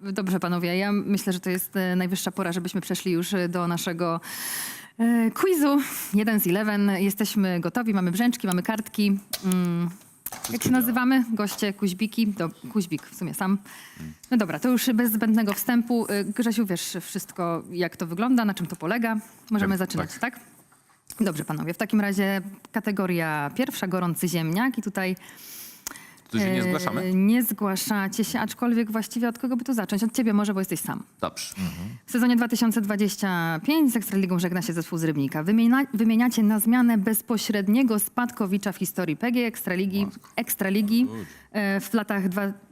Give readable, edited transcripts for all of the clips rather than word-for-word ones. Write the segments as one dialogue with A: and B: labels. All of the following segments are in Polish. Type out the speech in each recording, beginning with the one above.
A: Dobrze, panowie, ja myślę, że to jest najwyższa pora, żebyśmy przeszli już do naszego quizu 1 z 11. Jesteśmy gotowi, mamy brzęczki, mamy kartki. Jak się nazywamy? Goście, kuźbiki. Kuźbik w sumie sam. No dobra, to już bez zbędnego wstępu. Grzesiu, wiesz wszystko, jak to wygląda, na czym to polega. Możemy zaczynać, tak? Dobrze, panowie. W takim razie kategoria pierwsza, gorący ziemniak. I tutaj
B: Tu się nie zgłaszamy?
A: nie zgłaszacie się, aczkolwiek właściwie od kogo by tu zacząć? Od ciebie może, bo jesteś sam.
B: Dobrze.
A: W sezonie 2025 z Ekstraligą żegna się zespół z Rybnika. Wymieniacie na zmianę bezpośredniego spadkowicza w historii PGE Ekstraligi w latach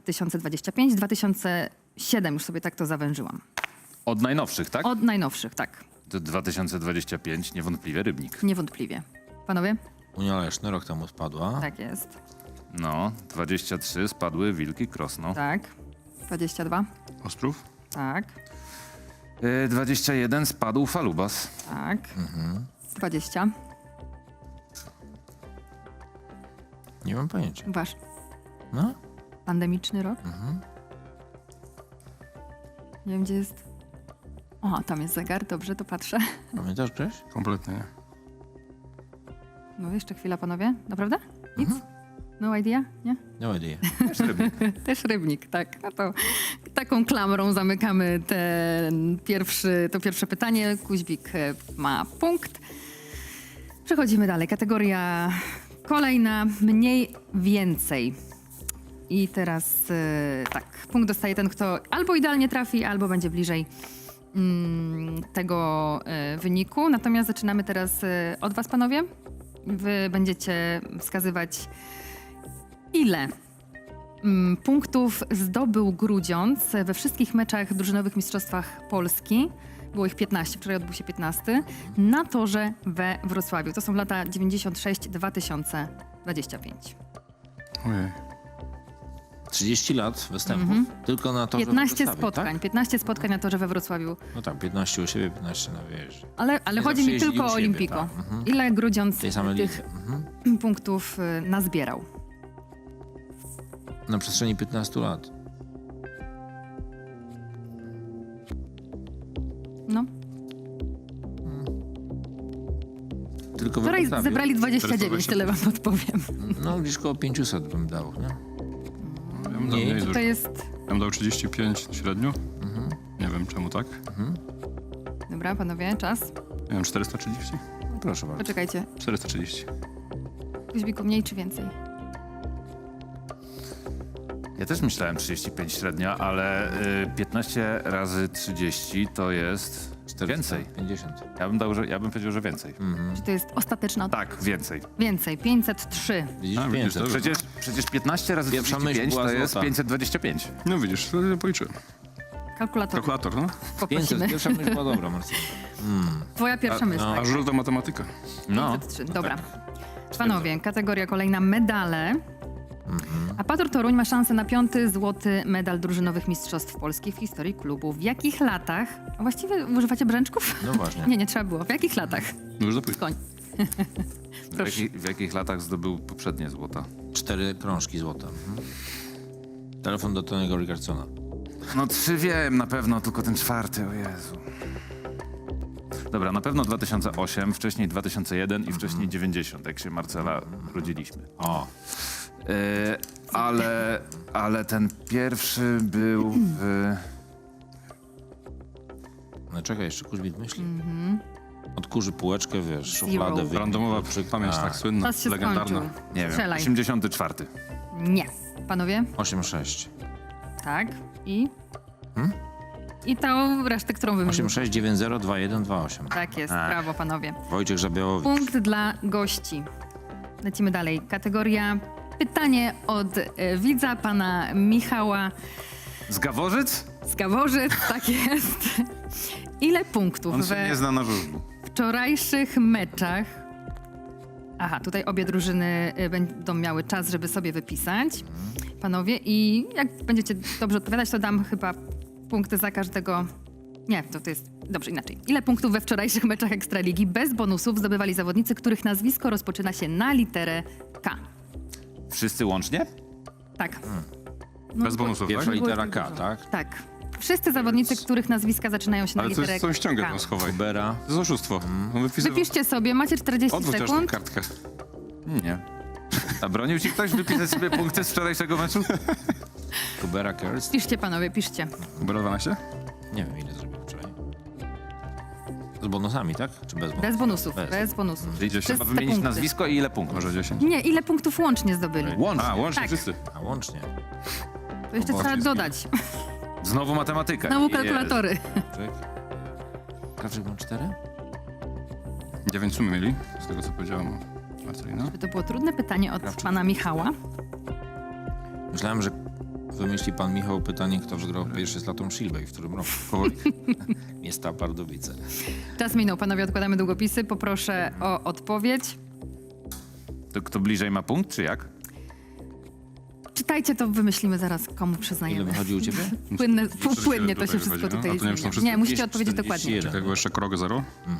A: 2025-2007. Już sobie tak to zawężyłam.
B: Od najnowszych, tak?
A: Od najnowszych, tak.
B: To 2025, niewątpliwie Rybnik.
A: Niewątpliwie. Panowie?
C: Unia Leszno rok temu spadła.
A: Tak jest.
B: No, 23 spadły Wilki Krosno.
A: Tak. 22.
D: Ostrów?
A: Tak.
B: 21 spadł Falubas.
A: Tak. 20.
C: Nie mam pojęcia.
A: Wasz
C: No?
A: pandemiczny rok? Nie wiem, gdzie jest. O, tam jest zegar, dobrze, to patrzę.
C: Pamiętasz, Grześ?
D: Kompletnie nie.
A: No jeszcze chwila, panowie. Naprawdę? Nic? No idea? Nie?
C: No idea.
B: Też Rybnik.
A: Też Rybnik, tak. No to taką klamrą zamykamy to pierwsze pytanie. Kuźbik ma punkt. Przechodzimy dalej. Kategoria kolejna, mniej więcej. I teraz tak, punkt dostaje ten, kto albo idealnie trafi, albo będzie bliżej tego wyniku. Natomiast zaczynamy teraz od was, panowie. Wy będziecie wskazywać, ile punktów zdobył Grudziądz we wszystkich meczach drużynowych mistrzostwach Polski. Było ich 15, wczoraj odbył się 15, na torze we Wrocławiu. To są lata 96-2025.
D: Ojej.
C: 30 lat występów. Tylko na to,
A: 15
C: że
A: spotkań,
C: tak?
A: 15 spotkań na torze we Wrocławiu.
C: No tak, 15 u siebie, 15 na wyjeździe.
A: Ale
C: Nie
A: chodzi
C: zawsze
A: mi tylko
C: jeździli
A: o
C: u siebie,
A: Olimpiko.
C: tak.
A: Ile Grudziądz
C: Tej samej
A: tych
C: lidze.
A: punktów nazbierał?
C: Na przestrzeni 15 lat.
A: No.
C: Tylko we
A: Wczoraj
C: Wrocławiu.
A: zebrali 29, tyle wam podpowiem.
C: No gdzieś koło 500 bym dał, nie?
D: Ja bym dał
C: Nie,
D: mniej
A: To
D: dużo.
A: jest...
D: Ja bym dał 35 średnio. Nie wiem czemu tak.
A: Dobra, panowie, czas.
D: Nie wiem, 430?
C: No, proszę bardzo.
A: Poczekajcie.
D: 430.
A: Kuźbiku, mniej czy więcej?
B: Ja też myślałem 35 średnia, ale 15 razy 30 to jest więcej.
C: 50.
B: Ja bym powiedział, że więcej.
A: Czy to jest ostateczna odpowiedź?
B: Tak, więcej.
A: Więcej, 503.
C: Widzisz,
D: A, widzisz,
C: 500.
D: dobrze.
B: Przecież 15 razy
C: Pierwsza myśl
B: 35
C: była
B: to jest
C: złota.
B: 525.
D: No widzisz, to ja policzyłem.
A: Kalkulator
D: Kalkulator, no.
C: 500.
A: poprosimy.
C: Pierwsza myśl była dobra, Marcin.
A: Twoja pierwsza myśl.
D: A
A: Tak.
D: żółta matematyka.
B: No.
A: 503. Dobra. Panowie, kategoria kolejna, medale. A Pator Toruń ma szansę na 5. złoty medal drużynowych mistrzostw Polski w historii klubu. W jakich latach? A właściwie używacie brzęczków?
C: No właśnie.
A: Nie zapytać. było. W jakich latach?
D: No już zapytaj.
A: Koń. Proszę.
B: W jakich latach zdobył poprzednie złota?
C: 4 krążki złota. Telefon do Tony'ego Richardsona.
B: No 3 wiem na pewno, tylko ten 4, o Jezu. Dobra, na pewno 2008, wcześniej 2001 i wcześniej 90, jak się Marcela rodziliśmy.
C: O,
B: Ale ten pierwszy był w...
C: no czekaj, jeszcze Kuźbit myśli. Odkurzy półeczkę, wiesz, szufladę.
A: Zero.
C: wyjmie
D: Randomowa
C: kluczyk.
D: pamięć,
C: A,
D: tak słynna,
A: Czas się
D: legendarna.
A: skończył.
B: Nie wiem,
A: Strzelaj.
B: 84.
A: Nie. Panowie?
C: 8-6.
A: Tak. I? I tą resztę, którą wymieniłem.
C: 8-6, 9-0, 2-1, 2-8.
A: Tak jest, brawo panowie.
C: Wojciech Żabiołowicz.
A: Punkt dla gości. Lecimy dalej. Kategoria pytanie od widza, pana Michała
B: Z Gaworzyc?
A: z Gaworzyc. Tak jest. Ile punktów
B: On się
A: we
B: nie zna na żużlu.
A: wczorajszych meczach... Aha, tutaj obie drużyny będą miały czas, żeby sobie wypisać. Panowie, i jak będziecie dobrze odpowiadać, to dam chyba punkty za każdego... Nie, to jest... Dobrze, inaczej. Ile punktów we wczorajszych meczach Ekstraligi bez bonusów zdobywali zawodnicy, których nazwisko rozpoczyna się na literę K?
B: Wszyscy łącznie?
A: Tak.
D: Bez bonusów,
C: Pierwsza
D: tak?
C: litera K, tak?
A: Tak. Wszyscy zawodnicy, których nazwiska zaczynają się na
D: Ale to
A: literę
D: są ściągę
A: K.
D: tam schowaj.
C: Kubera.
D: To jest oszustwo. No,
A: Wypiszcie sobie, macie 40
D: Odwróć też tą
A: sekund.
D: kartkę.
B: Nie. A bronił ci ktoś wypisać sobie punkty z wczorajszego meczu?
C: Kubera Kerst.
A: Piszcie panowie, piszcie.
D: Kubera 12?
C: Nie wiem, ile zrobił wczoraj. Z bonusami, tak? Czy bez bonusów?
A: Bez bonusów,
C: Bez.
A: bez bonusów.
B: Czyli
A: Przez
B: trzeba
A: te
B: wymienić
A: punkty.
B: nazwisko i ile punktów?
D: Może 10?
A: Nie, ile punktów łącznie zdobyli?
B: Łącznie.
D: A, łącznie
A: Tak.
D: wszyscy.
C: A łącznie.
A: To jeszcze trzeba dodać.
B: Znowu matematyka.
A: Znowu
B: Jezu.
A: kalkulatory.
C: Czek. Krawczyk mam 4?
D: 9 sumy mieli, z tego co powiedziałam Marcelina.
A: To było trudne pytanie od pana Michała.
C: Myślałem, że wymyśli pan Michał pytanie, kto wygrał pierwszy z Latą Shilbę i w którym roku.
D: Powoli.
C: Miasta Pardubice.
A: Czas minął, panowie, odkładamy długopisy. Poproszę o odpowiedź.
B: To kto bliżej ma punkt, czy jak?
A: Czytajcie, to wymyślimy zaraz, komu
C: Ile
A: przyznajemy.
C: wychodzi u ciebie?
A: Płynnie to się
D: tutaj
A: wszystko
D: wychodzi, no.
A: tutaj
D: A to nie wiem, czy
A: zmienia.
D: są wszyscy?
A: Nie, musicie odpowiedzieć dokładnie.
C: 41.
D: Czekaj, bo jeszcze krok 0.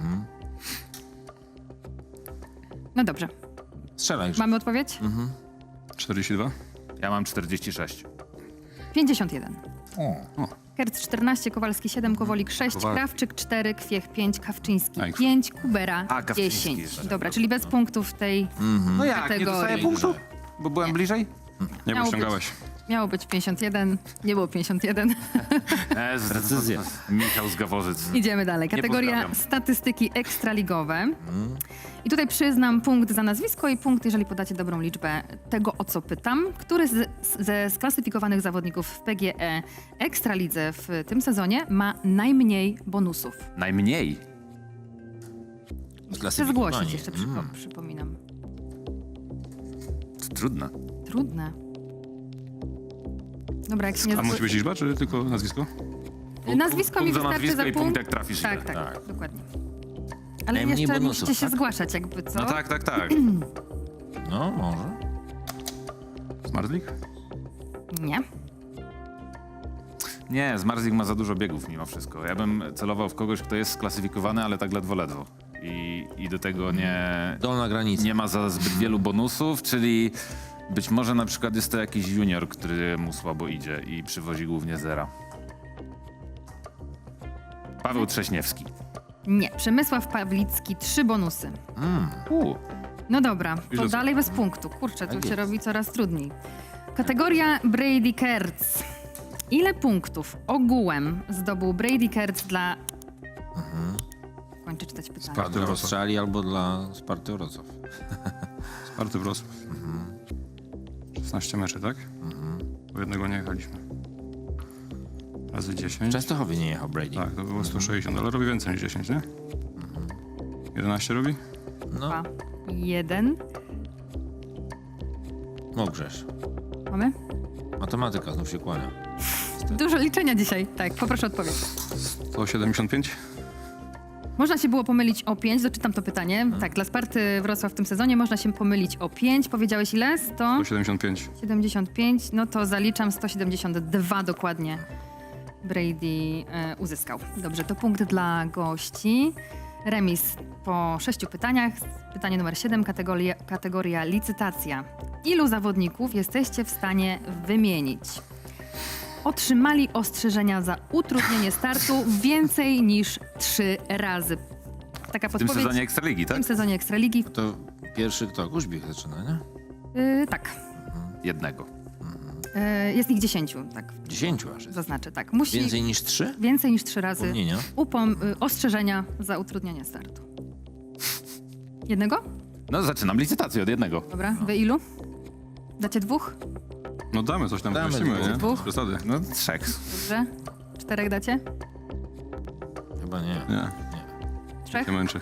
A: No dobrze.
C: Strzelaj już.
A: Mamy odpowiedź?
D: 42.
B: Ja mam 46.
A: 51.
C: O.
A: Kerc 14, Kowalski 7, Kowolik 6,
D: Kowal-
A: Krawczyk 4, Kwiech 5, Kawczyński
D: Aj.
A: 5, Kubera
B: A, Kawczyński
A: 10.
B: jeszcze.
A: Dobra, czyli bez punktów w tej
B: No jak, nie
A: Kategorii.
B: dostaję punktu? Bo byłem bliżej?
D: Nie,
A: Miało
D: bo ściągałeś.
A: miało być 51, nie było 51.
C: Precyzja.
B: Michał z Gaworzyc.
A: Idziemy dalej.
B: Nie
A: Kategoria
B: pozdrawiam.
A: statystyki ekstraligowe. I tutaj przyznam punkt za nazwisko i punkt, jeżeli podacie dobrą liczbę tego, o co pytam. Który ze sklasyfikowanych zawodników w PGE Ekstralidze w tym sezonie ma najmniej bonusów?
B: Najmniej.
A: Chcę zgłosić jeszcze, przypominam.
B: To trudne.
A: Trudne. Dobra, jak się nie
D: A musi być liczba, czy tylko nazwisko?
A: Nazwisko mi
B: Punkt za
A: wystarczy
B: nazwisko
A: za
B: i punkt, jak trafisz,
A: Tak,
B: ile.
A: tak, dokładnie. Ale
C: Najmniej
A: jeszcze
C: bonusów,
A: musicie się
C: tak?
A: zgłaszać, jakby co?
B: No tak, tak, tak.
C: No, może.
D: Smart League?
A: Nie.
B: Nie, Zmarzlik ma za dużo biegów mimo wszystko. Ja bym celował w kogoś, kto jest sklasyfikowany, ale tak ledwo. I do tego
C: Dolna granica.
B: nie ma za zbyt wielu bonusów, czyli być może na przykład jest to jakiś junior, który mu słabo idzie i przywozi głównie zera. Paweł Trześniewski.
A: Nie. Przemysław Pawlicki, 3 bonusy. No dobra, to
D: Ile-
A: dalej bez punktu. Kurczę, tu
C: Tak
A: się
C: jest.
A: robi coraz trudniej. Kategoria Brady Kertz. Ile punktów ogółem zdobył Brady Kertz dla... Kończę czytać pytanie.
D: Sparty
C: Dla
D: Wrocław.
C: Australii albo dla Sparty Wrocław.
D: Sparty Wrocław. 16 meczy, tak? Bo jednego nie jechaliśmy. Razy
C: W
D: 10.
C: Częstochowie nie jechał Brady.
D: Tak, to było 160, ale robi więcej niż 10, nie? 11 robi?
C: No,
A: 2, 1.
C: Mokrzesz.
A: Mamy?
C: Matematyka znów się kłania.
A: Dużo liczenia dzisiaj. Tak, poproszę odpowiedź.
D: 175?
A: Można się było pomylić o 5, doczytam to pytanie. Tak, dla Sparty Wrocław w tym sezonie można się pomylić o 5. Powiedziałeś ile?
D: 175.
A: 175, no to zaliczam 172 dokładnie. Brady uzyskał. Dobrze, to punkt dla gości. Remis po 6 pytaniach. Pytanie numer 7, kategoria licytacja. Ilu zawodników jesteście w stanie wymienić? Otrzymali ostrzeżenia za utrudnienie startu więcej niż 3 razy. Taka
B: W tym
A: podpowiedź
B: sezonie Ekstraligi,
A: w
B: tak?
A: tym sezonie Ekstraligi.
C: To pierwszy kto? Kuźbik zaczyna, nie?
A: Tak.
B: Jednego.
A: Jest ich 10, tak.
C: 10 aż jest.
A: Zaznaczę, tak. Musi
C: Więcej niż 3?
A: więcej niż 3 razy
C: Upomnienia.
A: ostrzeżenia za utrudnienie startu. Jednego?
B: No zaczynam licytację od jednego.
A: Dobra, wy ilu? Dacie 2?
D: No damy coś tam,
C: Damy
D: wymyślimy, nie?
A: dwóch.
D: Bez przesady.
B: No 3.
A: Dobrze. 4 dacie?
C: Chyba nie.
D: Nie,
A: 3?
D: nie męczy.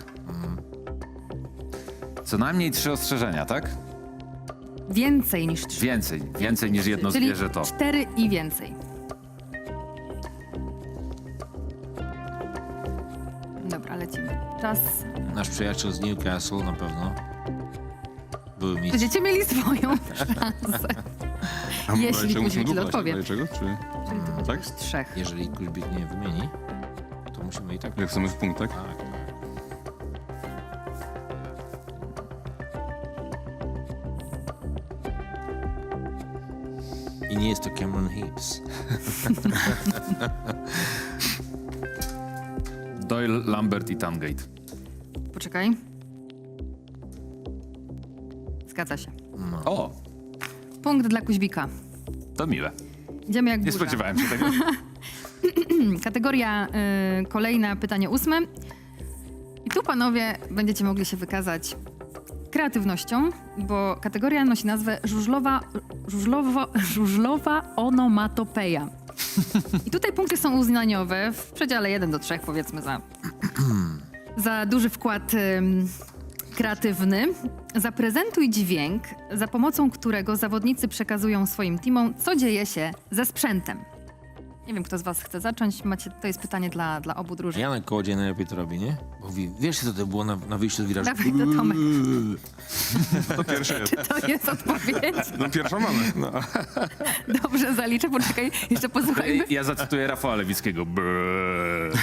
B: Co najmniej 3 ostrzeżenia, tak?
A: Więcej niż 3.
B: Więcej niż jedno
A: Czyli
B: zwierzę to.
A: 4 i więcej. Dobra, lecimy. Czas.
C: Nasz przyjaciel z Newcastle na pewno. Były mistrzem.
A: Będziecie mieli swoją szansę.
D: A
A: Jeśli
D: jeszcze
A: później
D: musimy
A: źle
D: dubla
A: odpowiem.
D: Czego? Czy...
A: Czyli to będzie
D: Tak?
A: już 3.
C: Jeżeli Kuźbik nie wymieni, to musimy i tak...
D: Jak chcemy w punkt, tak?
C: Tak, tak. I nie jest to Cameron Hibbs.
B: Doyle, Lambert i Tangate.
A: Poczekaj. Zgadza się.
B: O,
A: Punkt dla Kuźbika.
B: to miłe.
A: Idziemy jak
B: Nie
A: burza.
B: spodziewałem się tego.
A: Kategoria kolejna, pytanie 8. I tu panowie będziecie mogli się wykazać kreatywnością, bo kategoria nosi nazwę żużlowa onomatopeja. I tutaj punkty są uznaniowe w przedziale 1 do 3, powiedzmy, za duży wkład kreatywny. Zaprezentuj dźwięk, za pomocą którego zawodnicy przekazują swoim teamom, co dzieje się ze sprzętem. Nie wiem, kto z was chce zacząć. To jest pytanie dla obu drużyn.
C: Janek Kołodziej najlepiej to robi, nie? Bo mówi, wiesz co to było na wyjściu z wirażu?
A: Dawaj to, Tomek.
D: To pierwsze jest.
A: To jest odpowiedź.
D: No pierwszą mamy. No.
A: Dobrze, zaliczę. Poczekaj, jeszcze posłuchajmy.
B: Ja zacytuję Rafała Lewickiego. Brrr.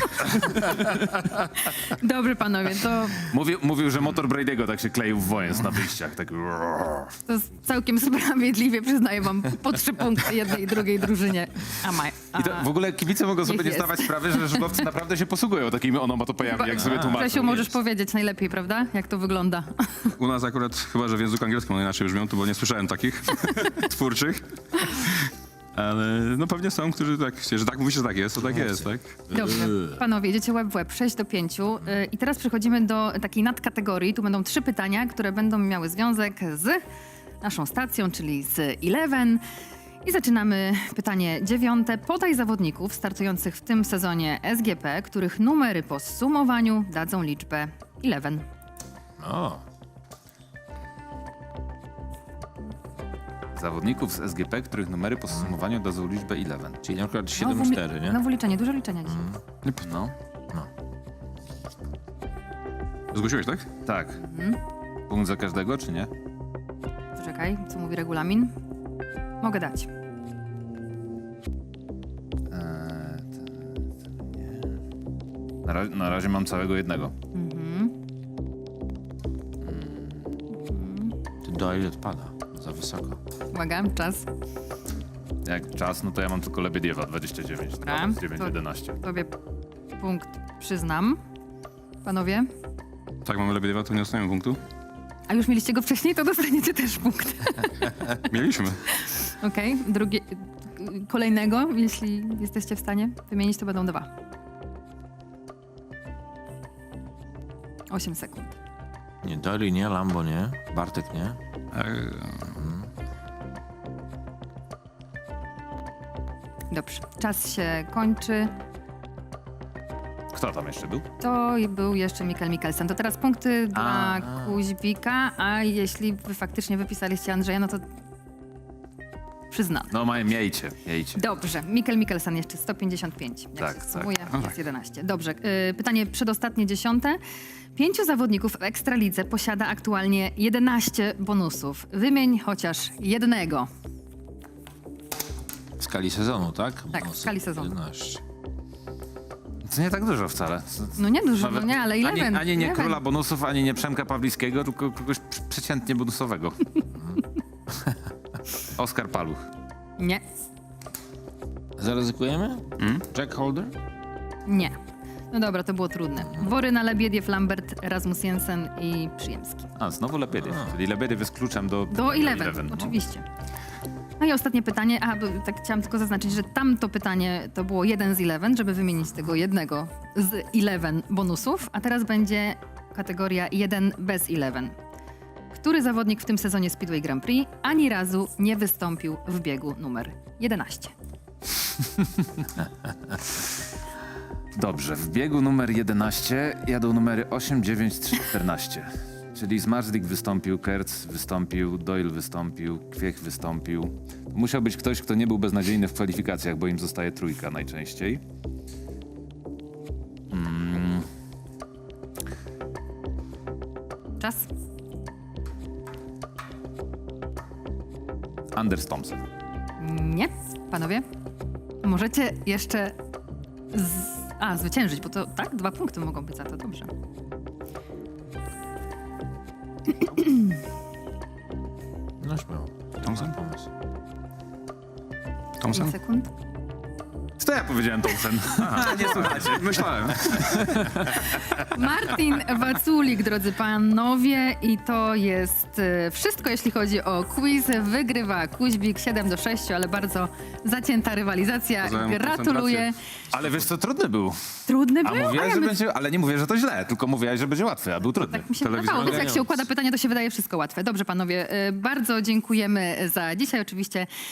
A: Dobrze, panowie, to
B: Mówił, że motor Brady'ego tak się kleił w wojens na wyjściach. Tak.
A: jest całkiem sprawiedliwie. Przyznaję wam po 3 punkty jednej i drugiej drużynie.
B: I to w ogóle kibice mogą sobie
A: Niech
B: nie
A: jest.
B: zdawać sprawy, że żużlowcy naprawdę się posługują takimi onomatopejami, jak sobie tłumaczą.
A: Grzesiu, możesz
B: Jest.
A: powiedzieć najlepiej, prawda? Jak to wygląda?
D: U nas akurat chyba, że w języku angielskim one inaczej brzmią, to bo nie słyszałem takich twórczych. Ale no pewnie są, którzy tak, że tak mówi, że tak jest, to tak jest, tak?
A: Dobrze. Panowie, idziecie łeb w łeb, 6 do 5. I teraz przechodzimy do takiej nadkategorii. Tu będą 3 pytania, które będą miały związek z naszą stacją, czyli z Eleven. I zaczynamy pytanie 9. Podaj zawodników startujących w tym sezonie SGP, których numery po zsumowaniu dadzą liczbę 11.
C: O,
B: Zawodników z SGP, których numery po zsumowaniu dadzą liczbę 11.
C: czyli na przykład 7-4, nie?
A: Znowu liczenie, dużo liczenia dzisiaj.
B: No,
D: Zgłosiłeś, tak?
B: tak. Punkt za każdego, czy nie?
A: Poczekaj, co mówi regulamin? Mogę dać.
B: Nie. Na razie mam całego jednego.
C: Ty Doyle odpada. Za wysoko.
A: Uwaga, czas.
B: Jak czas, no to ja mam tylko Lebediewa 29.
A: Dobra.
B: 9-11.
A: Tobie punkt przyznam. Panowie?
D: Tak, mamy Lebediewa, to nie dostaniemy punktu.
A: A już mieliście go wcześniej, to dostaniecie też punkt.
D: Mieliśmy.
A: Okej, drugie, kolejnego, jeśli jesteście w stanie wymienić, to będą 2. 8 sekund.
C: Nie, Doyle nie, Lambo nie, Bartek nie.
A: Dobrze, czas się kończy.
B: Kto tam jeszcze był?
A: To był jeszcze Mikael Mikkelsen. To teraz punkty dla Kuźbika, a jeśli wy faktycznie wypisaliście Andrzeja, no to przyznam.
B: No miejcie.
A: Dobrze, Mikael Mikkelsen jeszcze 155. Jak
B: Tak,
A: się
B: tak.
A: sumuje, jest 11. Dobrze, pytanie przedostatnie 10. 5 zawodników w Ekstralidze posiada aktualnie 11 bonusów. Wymień chociaż jednego.
C: W skali sezonu, tak?
A: Tak, w skali sezonu.
C: 11.
B: To nie tak dużo wcale.
A: No nie dużo, no nie, ale 11.
B: Ani nie
A: 11.
B: króla bonusów, ani nie Przemka Pawlickiego, tylko kogoś przeciętnie bonusowego. Oskar Paluch.
A: Nie,
C: Zaryzykujemy? Jack Holder?
A: nie. No dobra, to było trudne. Woryna, Lebiediew, Lambert, Rasmus Jensen i Przyjemski.
B: A, znowu Lebediew. Czyli Lebediew jest kluczem do
A: Do 11,
B: 11, no.
A: oczywiście. No i ostatnie pytanie, bo tak chciałam tylko zaznaczyć, że tamto pytanie to było 1 z 11, żeby wymienić z tego jednego z 11 bonusów, a teraz będzie kategoria 1 bez 11. Który zawodnik w tym sezonie Speedway Grand Prix ani razu nie wystąpił w biegu numer 11?
B: Dobrze, w biegu numer 11 jadą numery 8, 9, 3, 14. Czyli Zmarzlik wystąpił, Kertz wystąpił, Doyle wystąpił, Kwiech wystąpił. Musiał być ktoś, kto nie był beznadziejny w kwalifikacjach, bo im zostaje trójka najczęściej.
A: Czas?
B: Anders Thompson.
A: Nie. Panowie? Możecie jeszcze zwyciężyć, bo to tak, 2 punkty mogą być za to, dobrze.
C: No śmiało.
D: Thompson?
C: Pomysł.
D: Thompson?
A: 5 sekund.
B: To ja powiedziałem Thompson.
D: Nie słuchajcie. Myślałem.
A: Martin Waculik, drodzy panowie, i to jest wszystko, jeśli chodzi o quiz. Wygrywa Kuźbik 7-6, ale bardzo zacięta rywalizacja.
D: Poznałem
A: Gratuluję.
B: Ale wiesz co, trudny był.
A: Trudny
B: A
A: był,
B: mówiłaś, że
A: my...
B: będzie, ale nie mówię, że to źle, tylko mówiłaś, że będzie łatwy, a był trudny.
A: Tak mi się
D: Telewizja
A: wydawało. Wiecie, jak
C: ogarniając.
A: się układa pytania, to się wydaje wszystko łatwe. Dobrze, panowie, bardzo dziękujemy za dzisiaj. Oczywiście